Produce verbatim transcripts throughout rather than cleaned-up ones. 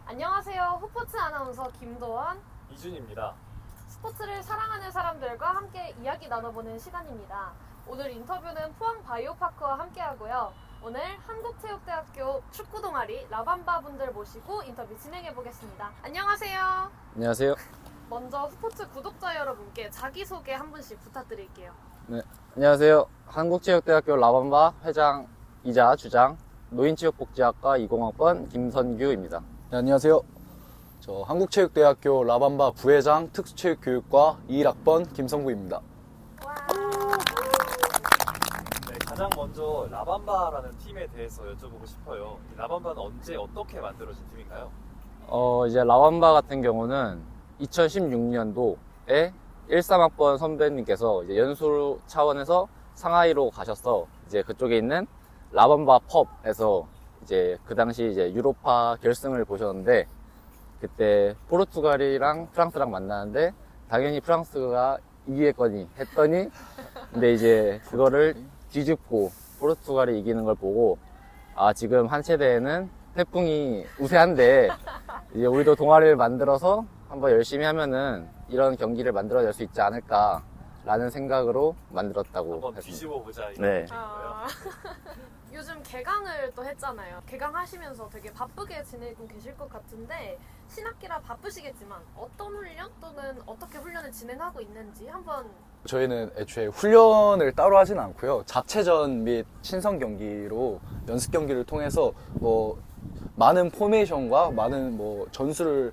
안녕하세요. 후포츠 아나운서 김도원, 이준입니다. 스포츠를 사랑하는 사람들과 함께 이야기 나눠보는 시간입니다. 오늘 인터뷰는 포항 바이오파크와 함께하고요. 오늘 한국체육대학교 축구 동아리 라밤바 분들 모시고 인터뷰 진행해 보겠습니다. 안녕하세요. 안녕하세요. 먼저 후포츠 구독자 여러분께 자기소개 한 분씩 부탁드릴게요. 네, 안녕하세요. 한국체육대학교 라밤바 회장이자 주장 노인체육복지학과 이공학번 김선규입니다. 네, 안녕하세요. 저 한국체육대학교 라밤바 부회장 특수체육교육과 이일 학번 김성구입니다. 와. 네, 가장 먼저 라밤바라는 팀에 대해서 여쭤보고 싶어요. 이 라밤바는 언제 어떻게 만들어진 팀인가요? 어, 이제 라밤바 같은 경우는 이천십육 년도에 십삼 학번 선배님께서 이제 연수 차원에서 상하이로 가셔서 이제 그쪽에 있는 라밤바 펍에서 이제 그 당시 이제 유로파 결승을 보셨는데 그때 포르투갈이랑 프랑스랑 만나는데 당연히 프랑스가 이기겠거니 했더니 근데 이제 그거를 뒤집고 포르투갈이 이기는 걸 보고 아 지금 한 세대에는 태풍이 우세한데 이제 우리도 동아리를 만들어서 한번 열심히 하면은 이런 경기를 만들어낼 수 있지 않을까 라는 생각으로 만들었다고 한번 했습니다. 뒤집어 보자 이런 네. 얘기인 거예요. 아, 요즘 개강을 또 했잖아요. 개강하시면서 되게 바쁘게 지내고 계실 것 같은데 신학기라 바쁘시겠지만 어떤 훈련 또는 어떻게 훈련을 진행하고 있는지 한번. 저희는 애초에 훈련을 따로 하진 않고요. 자체전 및 친선 경기로 연습 경기를 통해서 뭐 많은 포메이션과 많은 뭐 전술을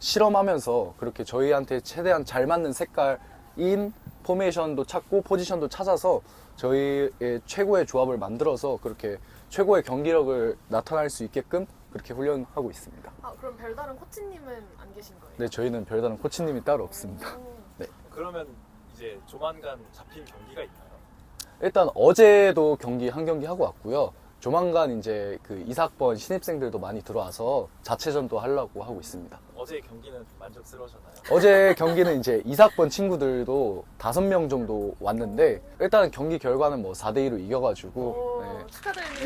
실험하면서 그렇게 저희한테 최대한 잘 맞는 색깔인 포메이션도 찾고 포지션도 찾아서 저희의 최고의 조합을 만들어서 그렇게 최고의 경기력을 나타낼 수 있게끔 그렇게 훈련하고 있습니다. 아, 그럼 별다른 코치님은 안 계신 거예요? 네, 저희는 별다른 코치님이 따로 없습니다. 오. 그러면 이제 조만간 잡힌 경기가 있나요? 일단 어제도 경기 한 경기 하고 왔고요. 조만간 이제 그 이사학번 신입생들도 많이 들어와서 자체전도 하려고 하고 있습니다. 어제 경기는 좀 만족스러우셨나요? 어제 경기는 이제 이사학번 친구들도 다섯 명 정도 왔는데 일단 경기 결과는 뭐 사 대 이로 이겨가지고 오, 네, 축하드립니다.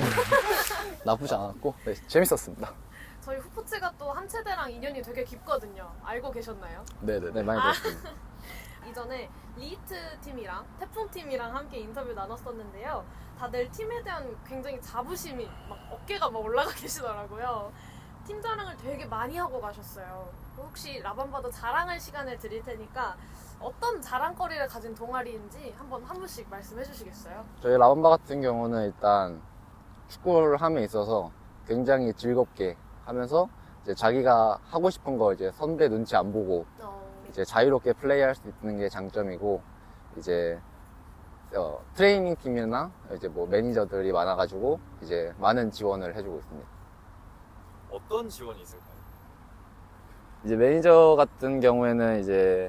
나쁘지 않았고 네, 재밌었습니다. 저희 후포츠가 또 한 체대랑 인연이 되게 깊거든요. 알고 계셨나요? 네네네. 네, 많이 아. 들었습니다. 이전에 리히트 팀이랑 태풍 팀이랑 함께 인터뷰 나눴었는데요. 다들 팀에 대한 굉장히 자부심이 막 어깨가 막 올라가 계시더라고요. 팀 자랑을 되게 많이 하고 가셨어요. 혹시 라밤바도 자랑할 시간을 드릴 테니까 어떤 자랑거리를 가진 동아리인지 한번 한 분씩 말씀해 주시겠어요? 저희 라밤바 같은 경우는 일단 축구를 함에 있어서 굉장히 즐겁게 하면서 이제 자기가 하고 싶은 거 이제 선배 눈치 안 보고 어, 이제 자유롭게 플레이할 수 있는 게 장점이고 이제 어, 트레이닝 팀이나 이제 뭐 매니저들이 많아가지고 이제 많은 지원을 해주고 있습니다. 어떤 지원이 있을까요? 이제 매니저 같은 경우에는 이제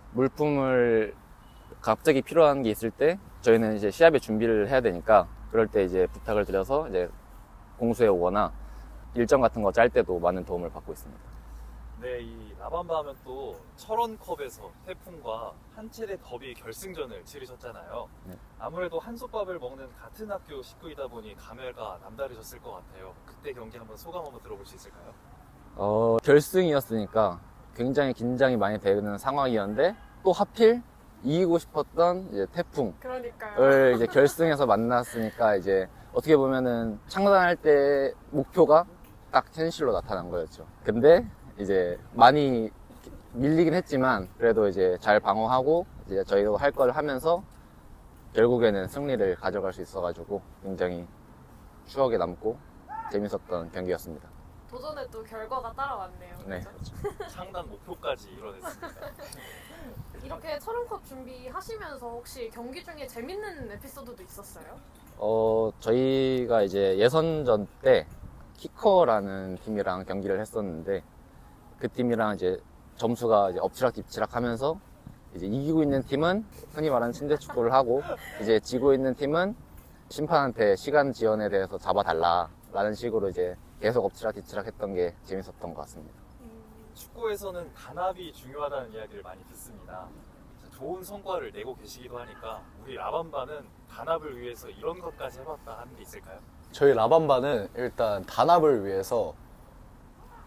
물품을 갑자기 필요한 게 있을 때 저희는 이제 시합에 준비를 해야 되니까 그럴 때 이제 부탁을 드려서 이제 공수해 오거나 일정 같은 거 짤 때도 많은 도움을 받고 있습니다. 네, 이 라밤바 하면 또 철원컵에서 태풍과 한체대 더비 결승전을 치르셨잖아요. 네. 아무래도 한솥밥을 먹는 같은 학교 식구이다 보니 감회가 남다르셨을 것 같아요. 그때 경기 한번 소감 한번 들어볼 수 있을까요? 어, 결승이었으니까 굉장히 긴장이 많이 되는 상황이었는데 또 하필 이기고 싶었던 이제 태풍을 그러니까요. 이제 결승에서 만났으니까 이제 어떻게 보면은 창단할 때 목표가 딱 현실로 나타난 거였죠. 근데 이제 많이 밀리긴 했지만 그래도 이제 잘 방어하고 이제 저희도 할 걸 하면서 결국에는 승리를 가져갈 수 있어가지고 굉장히 추억에 남고 재밌었던 경기였습니다. 도전에 또 결과가 따라왔네요. 네. 그죠? 창단 목표까지 이뤄냈습니다. 이렇게 철원컵 준비하시면서 혹시 경기 중에 재밌는 에피소드도 있었어요? 어, 저희가 이제 예선전 때 키커라는 팀이랑 경기를 했었는데 그 팀이랑 이제 점수가 이제 엎치락 뒤치락 하면서 이제 이기고 있는 팀은 흔히 말하는 침대 축구를 하고 이제 지고 있는 팀은 심판한테 시간 지연에 대해서 잡아달라라는 식으로 이제 계속 엎치락 뒤치락 했던 게 재밌었던 것 같습니다. 축구에서는 단합이 중요하다는 이야기를 많이 듣습니다. 좋은 성과를 내고 계시기도 하니까 우리 라밤바는 단합을 위해서 이런 것까지 해봤다 하는 게 있을까요? 저희 라밤바는 일단 단합을 위해서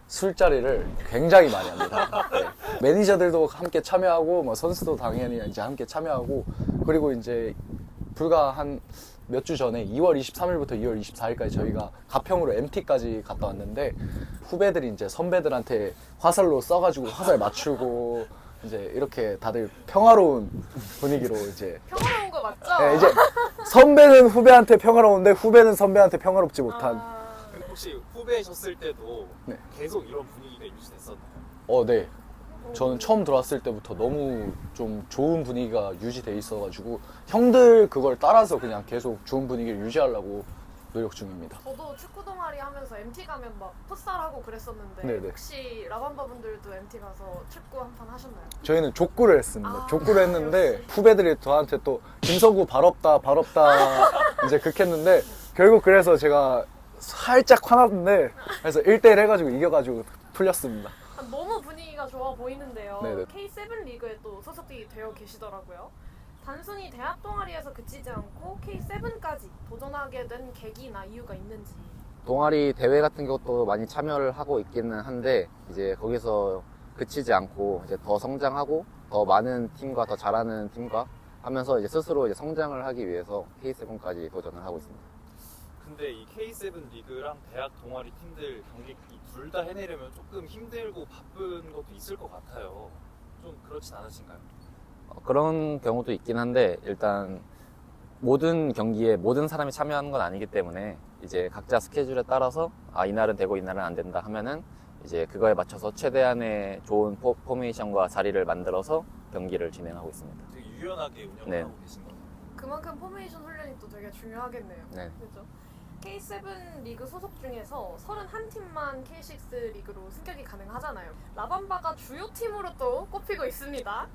술자리를 굉장히 많이 합니다. 네. 매니저들도 함께 참여하고 뭐 선수도 당연히 이제 함께 참여하고 그리고 이제 불과 한 몇 주 전에 이월 이십삼일부터 이월 이십사일까지 저희가 가평으로 엠티까지 갔다 왔는데 후배들이 이제 선배들한테 화살로 써가지고 화살 맞추고 이제 이렇게 다들 평화로운 분위기로 이제 평화로운 거 맞죠? 네, 이제 선배는 후배한테 평화로운데 후배는 선배한테 평화롭지 못한 아, 혹시 후배셨을 때도 네. 계속 이런 분위기가 유지됐었나요? 어, 네. 저는 처음 들어왔을 때부터 너무 좀 좋은 분위기가 유지돼 있어가지고 형들 그걸 따라서 그냥 계속 좋은 분위기를 유지하려고 노력 중입니다. 저도 축구 동아리 하면서 엠티 가면 막 풋살하고 그랬었는데 네네. 혹시 라밤바 분들도 엠티 가서 축구 한 판 하셨나요? 저희는 족구를 했습니다. 아, 족구를 했는데 역시. 후배들이 저한테 또 김서구 발없다 발없다 이제 극했는데 결국 그래서 제가 살짝 화났는데 그래서 일 대일 해가지고 이겨가지고 풀렸습니다. 아, 너무 분위기가 좋아 보이는데요. 네네. 케이 세븐 리그에 또 소속이 되어 계시더라고요. 단순히 대학 동아리에서 그치지 않고 케이 세븐까지 도전하게 된 계기나 이유가 있는지. 동아리 대회 같은 것도 많이 참여를 하고 있기는 한데 이제 거기서 그치지 않고 이제 더 성장하고 더 많은 팀과 더 잘하는 팀과 하면서 이제 스스로 이제 성장을 하기 위해서 케이 세븐까지 도전을 하고 있습니다. 근데 이 케이 세븐 리그랑 대학 동아리 팀들 경기 둘 다 해내려면 조금 힘들고 바쁜 것도 있을 것 같아요. 좀 그렇진 않으신가요? 어, 그런 경우도 있긴 한데 일단 모든 경기에 모든 사람이 참여하는 건 아니기 때문에 이제 각자 스케줄에 따라서 아 이날은 되고 이날은 안 된다 하면은 이제 그거에 맞춰서 최대한의 좋은 포, 포메이션과 자리를 만들어서 경기를 진행하고 있습니다. 되게 유연하게 운영을 네. 하고 계신 거예요. 그만큼 포메이션 훈련이 또 되게 중요하겠네요. 네. 그죠? 케이 세븐 리그 소속 중에서 서른한 팀만 케이 식스 리그로 승격이 가능하잖아요. 라밤바가 주요 팀으로 또 꼽히고 있습니다.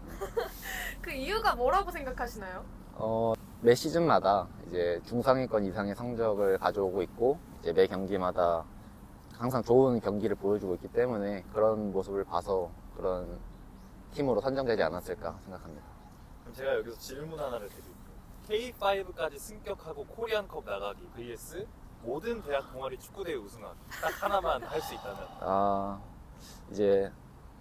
그 이유가 뭐라고 생각하시나요? 어, 매 시즌마다 이제 중상위권 이상의 성적을 가져오고 있고 이제 매 경기마다 항상 좋은 경기를 보여주고 있기 때문에 그런 모습을 봐서 그런 팀으로 선정되지 않았을까 생각합니다. 그럼 제가 여기서 질문 하나를 드릴게요. 케이 파이브까지 승격하고 코리안컵 나가기 vs 모든 대학 동아리 축구대회 우승하기 딱 하나만 할 수 있다면 아, 이제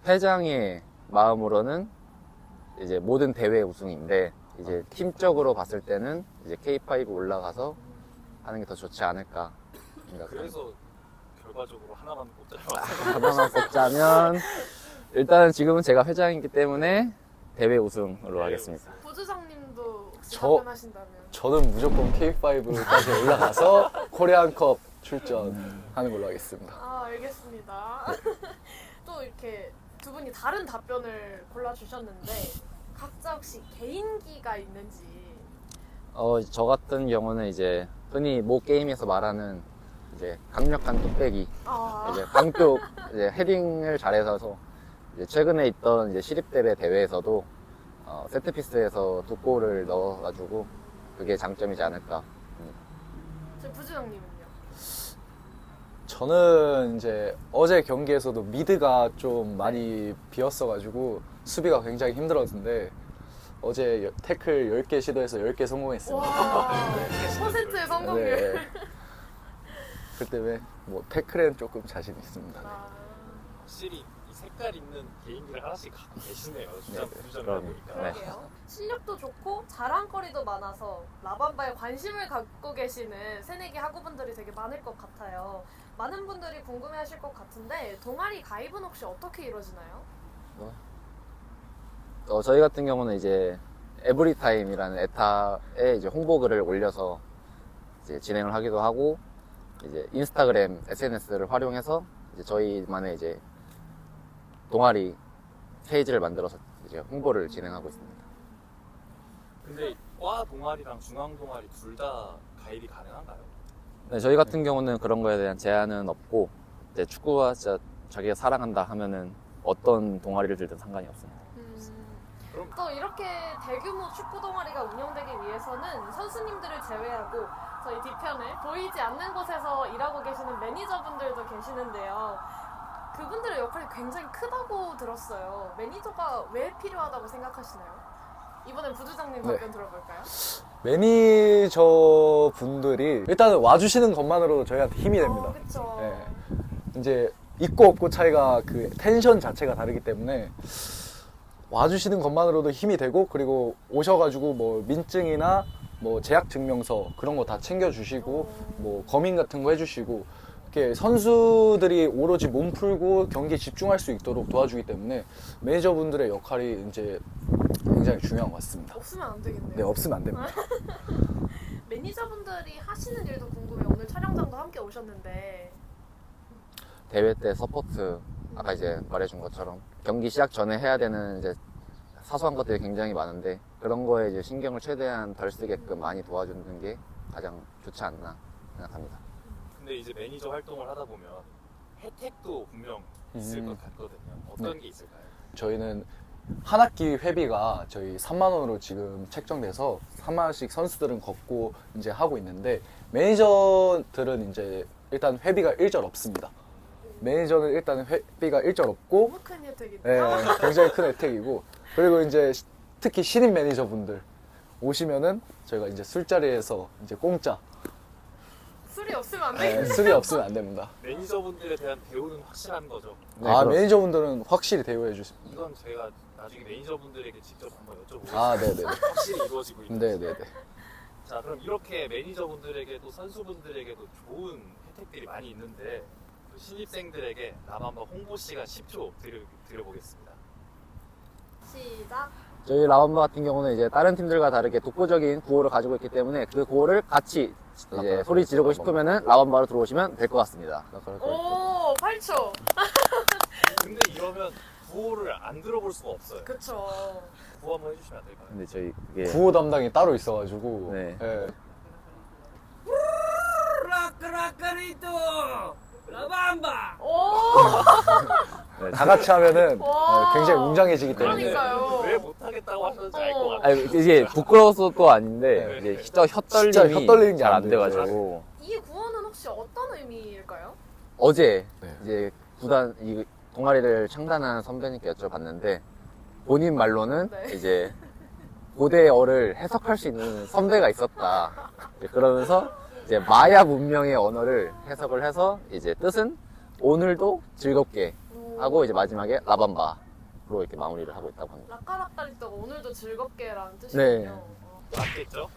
회장의 마음으로는 이제 모든 대회 우승인데 이제 팀적으로 봤을 때는 이제 케이 파이브 올라가서 하는 게 더 좋지 않을까 생각합니다. 그래서 결과적으로 하나만 꼽자면 하나만 뽑자면 일단은 지금은 제가 회장이기 때문에 대회 우승으로 하겠습니다. 부주장님도 혹시 저- 답변하신다면? 저는 무조건 케이 파이브까지 올라가서 코리안컵 출전하는 걸로 하겠습니다. 아 알겠습니다. 또 이렇게 두 분이 다른 답변을 골라주셨는데 각자 혹시 개인기가 있는지. 어, 저 같은 경우는 이제 흔히 모 게임에서 말하는 이제 강력한 뚝배기, 아, 이제 강뚝 이제 헤딩을 잘해서 이제 최근에 있던 이제 시립대회 대회에서도 어, 세트피스에서 두 골을 넣어가지고 그게 장점이지 않을까. 저 부주장님은요? 저는 이제 어제 경기에서도 미드가 좀 많이 비었어가지고 수비가 굉장히 힘들었는데 어제 여- 태클 열 개 시도해서 열 개 성공했습니다. 와, 백 퍼센트의 성공률. 네. 그 때문에 뭐 태클엔 조금 자신 있습니다. 아, 확실히 이 색깔 있는 개인기를 하나씩 갖고 계시네요. 주장 네, 부주장이다 그럼, 보니까. 네. 그러게요. 실력도 좋고 자랑거리도 많아서 라밤바에 관심을 갖고 계시는 새내기 학우분들이 되게 많을 것 같아요. 많은 분들이 궁금해하실 것 같은데 동아리 가입은 혹시 어떻게 이루어지나요? 어, 저희 같은 경우는 이제 에브리타임이라는 에타에 이제 홍보글을 올려서 이제 진행을 하기도 하고 이제 인스타그램 에스엔에스를 활용해서 이제 저희만의 이제 동아리 페이지를 만들어서 이제 홍보를 진행하고 있습니다. 근데 과 동아리랑 중앙 동아리 둘 다 가입이 가능한가요? 네, 저희 같은 경우는 그런 거에 대한 제한은 없고 이제 축구가 진짜 자기가 사랑한다 하면은 어떤 동아리를 들든 상관이 없습니다. 그럼 또 이렇게 대규모 축구 동아리가 운영되기 위해서는 선수님들을 제외하고 저희 뒤편에 보이지 않는 곳에서 일하고 계시는 매니저분들도 계시는데요. 그분들의 역할이 굉장히 크다고 들었어요. 매니저가 왜 필요하다고 생각하시나요? 이번엔 부주장님 네. 답변 들어볼까요? 매니저 분들이 일단은 와주시는 것만으로도 저희한테 힘이 됩니다. 어, 그쵸. 네. 이제 있고 없고 차이가 그 텐션 자체가 다르기 때문에 와주시는 것만으로도 힘이 되고, 그리고 오셔가지고 뭐 민증이나 뭐 재학 증명서 그런 거 다 챙겨주시고, 뭐 검인 같은 거 해주시고, 이렇게 선수들이 오로지 몸 풀고 경기에 집중할 수 있도록 도와주기 때문에 매니저분들의 역할이 이제 굉장히 중요한 것 같습니다. 없으면 안 되겠네요. 네, 없으면 안 됩니다. 매니저분들이 하시는 일도 궁금해요. 오늘 촬영장도 함께 오셨는데. 대회 때 서포트, 아까 이제 말해준 것처럼 경기 시작 전에 해야 되는 이제 사소한 것들이 굉장히 많은데, 그런 거에 이제 신경을 최대한 덜 쓰게끔 많이 도와주는 게 가장 좋지 않나 생각합니다. 근데 이제 매니저 활동을 하다 보면 혜택도 분명 있을 음. 것 같거든요. 어떤 네. 게 있을까요? 저희는 한 학기 회비가 저희 삼만 원으로 지금 책정돼서 삼만 원씩 선수들은 걷고 이제 하고 있는데, 매니저들은 이제 일단 회비가 일절 없습니다. 매니저는 일단 회비가 일절 없고, 너무 큰 혜택이다. 네, 굉장히 큰 혜택이고, 그리고 이제 시- 특히 신인 매니저분들 오시면은 저희가 이제 술자리에서 이제 공짜, 술이 없으면 안 네, 되겠네. 술이 없으면 안 됩니다. 매니저분들에 대한 대우는 확실한 거죠. 네, 아, 그렇습니다. 매니저분들은 확실히 대우해 주세요. 이건 제가 나중에 매니저분들에게 직접 한번 여쭤보겠습니다. 아, 네네. 확실히 이루어지고 있는지. 네네네. 자, 그럼 이렇게 매니저분들에게도 선수분들에게도 좋은 혜택들이 많이 있는데, 그 신입생들에게 라밤바 홍보 시간 십 초 드려, 드려보겠습니다. 시작. 저희 라밤바 같은 경우는 이제 다른 팀들과 다르게 독보적인 구호를 가지고 있기 때문에 그 구호를 같이 이제 소리 지르고 싶으면은 라밤바로 들어오시면 될 것 같습니다. 오, 팔 초. 근데 이러면 구호를 안 들어볼 수가 없어요. 그쵸. 구호 한번 해주시면 안 될까요? 근데 저희 그게 구호 담당이 따로 있어가지고, 네. 예. 오, 네, 다 같이 하면은 와. 어, 굉장히 웅장해지기 때문에. 그러니까요. 왜 못하겠다고 하셨는지 알 것 어. 같아요. 아니, 이게 부끄러워서도 아닌데 네. 이제 혀, 혀 진짜 떨림이 혀 떨리는 게 잘 안 안 돼가지고 이 구호는 혹시 어떤 의미일까요? 어제 네. 이제 구단 이 동아리를 창단한 선배님께 여쭤봤는데, 본인 말로는 네. 이제 고대어를 해석할 수 있는 선배가 있었다. 이제 그러면서 이제 마야 문명의 언어를 해석을 해서 이제 뜻은 오늘도 즐겁게 오. 하고 이제 마지막에 라밤바로 이렇게 마무리를 하고 있다고 합니다. 라까라까리또가 오늘도 즐겁게라는 네. 뜻이군요. 어. 맞겠죠?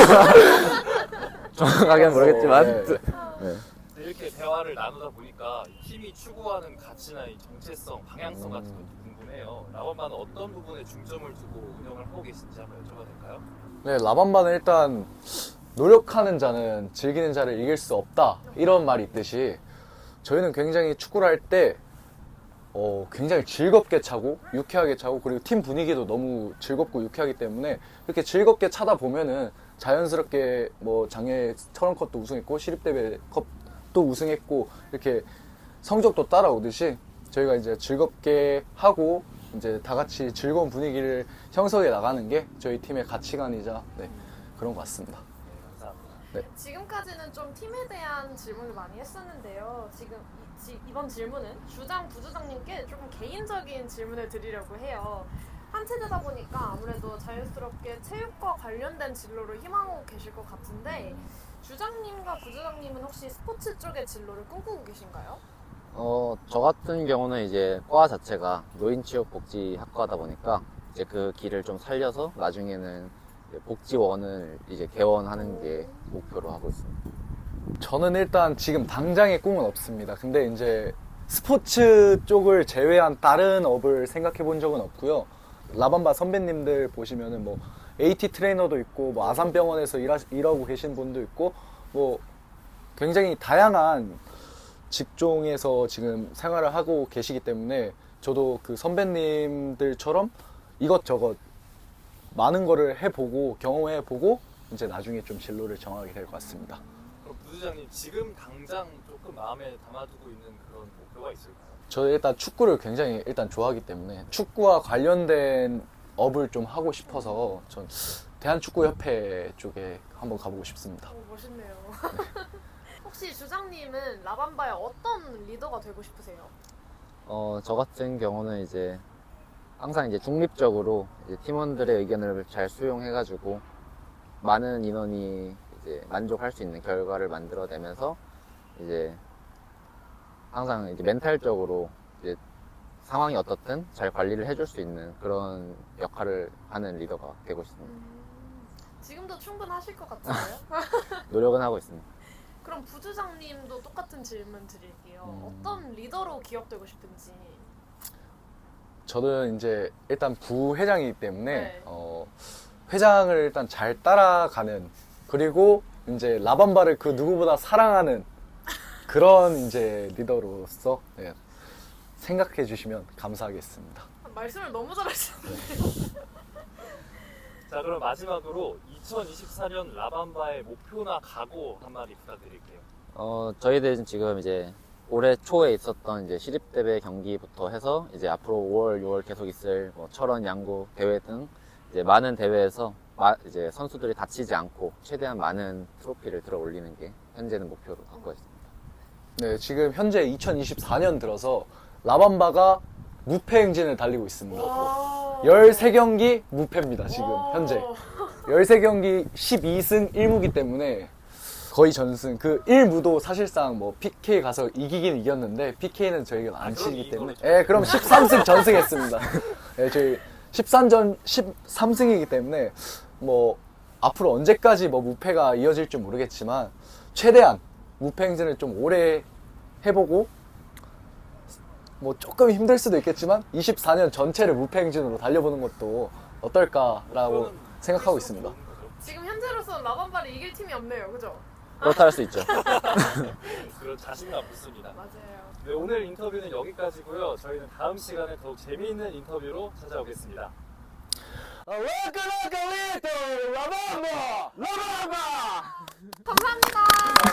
정확하게는 모르겠지만 네. 네. 이렇게 대화를 나누다 보니까 팀이 추구하는 가치나 이 정체성, 방향성 같은 것도 궁금해요. 라밤바는 어떤 부분에 중점을 두고 운영을 하고 계신지 한번 여쭤봐도 될까요? 네, 라밤바는 일단 노력하는 자는 즐기는 자를 이길 수 없다, 이런 말이 있듯이 저희는 굉장히 축구를 할 때 어, 굉장히 즐겁게 차고 유쾌하게 차고, 그리고 팀 분위기도 너무 즐겁고 유쾌하기 때문에 이렇게 즐겁게 차다 보면은 자연스럽게 뭐 작년에 철원컵도 우승했고 시립대회컵도 우승했고 이렇게 성적도 따라오듯이 저희가 이제 즐겁게 하고 이제 다 같이 즐거운 분위기를 형성해 나가는 게 저희 팀의 가치관이자 네, 그런 것 같습니다. 네, 감사합니다. 지금까지는 좀 팀에 대한 질문을 많이 했었는데요. 지금 이, 지- 이번 질문은 주장, 부주장님께 조금 개인적인 질문을 드리려고 해요. 한 세대다 보니까 아무래도 자연스럽게 체육과 관련된 진로를 희망하고 계실 것 같은데, 주장님과 부주장님은 혹시 스포츠 쪽의 진로를 꿈꾸고 계신가요? 어, 저 같은 경우는 이제 과 자체가 노인체육복지학과다 보니까 이제 그 길을 좀 살려서 나중에는 이제 복지원을 이제 개원하는 게 목표로 하고 있습니다. 저는 일단 지금 당장의 꿈은 없습니다. 근데 이제 스포츠 쪽을 제외한 다른 업을 생각해 본 적은 없고요. 라밤바 선배님들 보시면은 뭐 에이티 트레이너도 있고 뭐 아산병원에서 일하, 일하고 계신 분도 있고 뭐 굉장히 다양한 직종에서 지금 생활을 하고 계시기 때문에 저도 그 선배님들처럼 이것저것 많은 거를 해보고 경험해보고 이제 나중에 좀 진로를 정하게 될 것 같습니다. 그럼 부주장님 지금 당장 조금 마음에 담아두고 있는 그런 목표가 있을까요? 저 일단 축구를 굉장히 일단 좋아하기 때문에 축구와 관련된 업을 좀 하고 싶어서 전 대한축구협회 쪽에 한번 가보고 싶습니다. 오, 멋있네요. 혹시 주장님은 라밤바의 어떤 리더가 되고 싶으세요? 어, 저 같은 경우는 이제 항상 이제 중립적으로 이제 팀원들의 의견을 잘 수용해가지고 많은 인원이 이제 만족할 수 있는 결과를 만들어내면서 이제 항상 이제 멘탈적으로 이제 상황이 어떻든 잘 관리를 해줄 수 있는 그런 역할을 하는 리더가 되고 싶습니다. 음, 지금도 충분하실 것 같은데요? 노력은 하고 있습니다. 그럼 부주장님도 똑같은 질문 드릴게요. 음. 어떤 리더로 기억되고 싶은지. 저는 이제 일단 부회장이기 때문에 네. 어, 회장을 일단 잘 따라가는, 그리고 이제 라밤바를 그 누구보다 사랑하는 그런 이제 리더로서 예, 생각해 주시면 감사하겠습니다. 말씀을 너무 잘하시는데. 자, 그럼 마지막으로 이천이십사 년 라밤바의 목표나 각오 한마디 부탁드릴게요. 어, 저희들은 지금 이제 올해 초에 있었던 이제 시립대회 경기부터 해서 이제 앞으로 오월, 유월 계속 있을 뭐 철원, 양구 대회 등 이제 많은 대회에서 마- 이제 선수들이 다치지 않고 최대한 많은 트로피를 들어 올리는 게 현재는 목표로 갖고 있습니다. 네, 지금 현재 이천이십사 년 들어서 라밤바가 무패 행진을 달리고 있습니다. 와. 열세 경기 무패입니다, 지금 와. 현재. 열세 경기 십이 승 일 무기 때문에 거의 전승. 그 일 무도 사실상 뭐 피케이 가서 이기긴 이겼는데 피케이는 저희가 안 아, 그럼 치기 이긴 때문에. 거죠. 예, 그럼 십삼 승 전승했습니다. 예, 저희 십삼 전 십삼 승이기 때문에 뭐 앞으로 언제까지 뭐 무패가 이어질지 모르겠지만 최대한 무패 행진을 좀 오래 해보고, 뭐 조금 힘들 수도 있겠지만 이십사 년 전체를 무패 행진으로 달려보는 것도 어떨까라고 목표는 생각하고 할수록 있습니다. 좋은 거죠. 지금 현재로서는 라밤바를 이길 팀이 없네요. 그죠? 그렇다 할 수 있죠. 그런 자신감 붙습니다. 맞아요. 네, 오늘 인터뷰는 여기까지고요. 저희는 다음 시간에 더욱 재미있는 인터뷰로 찾아오겠습니다. 감사합니다.